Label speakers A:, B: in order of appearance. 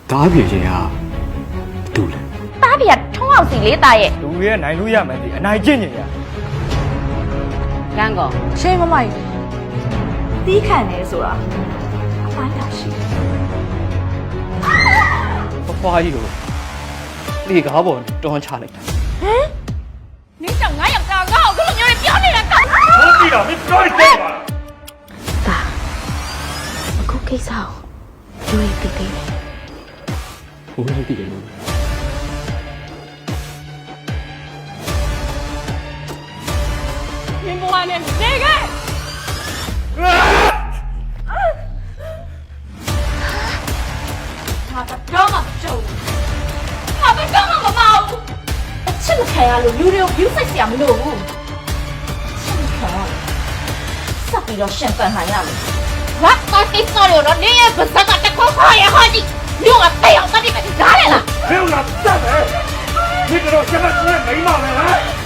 A: တားပြေခြင်းကတူလဲ
B: တားပြထုံးအောင်စီလေးတာရဲ့
C: လူရဲ့နိုင်လို့ရမယ်ဒီအနိုင်ကျင့်နေရ
B: ကန်းကော
D: ရှင်မမကြီးတီးခံနေဆိုတာအပိုင်းတာရှိတယ်
A: ဖွားကြီးကိုလေကားပေါ်တွန်းချလိုက်တာ
B: နင်းကြောင့်ငါယောက်ျားငါ့ကိုဘယ်လိုမျိုးလဲပြောနေတာကောင်
C: ဟုတ်ပြီလားမင်းပြောတယ်ပါ
B: တာအခုကိစ္စကိုရွေးပြီးပြီ
A: ဘိုးလေးတည်တယ်လို့
B: မင်းဘဝနဲ့နေခဲ့ဟာတော့မကြုံဟာဘယ်တော့မှမမအောင်အချစ်မခံရလို့လူတွေကို view စိတ်เสียမလို့ဘူးအချစ်မခံရစပ်ပြီးတော့ရှင်ပန်နိုင်ရမယ်ဘာကောကိစ္စရောတော့နေရဲ့ပါစကတခေါ်ခေါ်ရဟောဒီလူကတဲ့အောင်တတ်တယ်ဒါလေလား
C: ဘယ်လိုလဲတတ်တယ်ဒီကတော့ချက်နဲ့မိမမယ်ဟမ်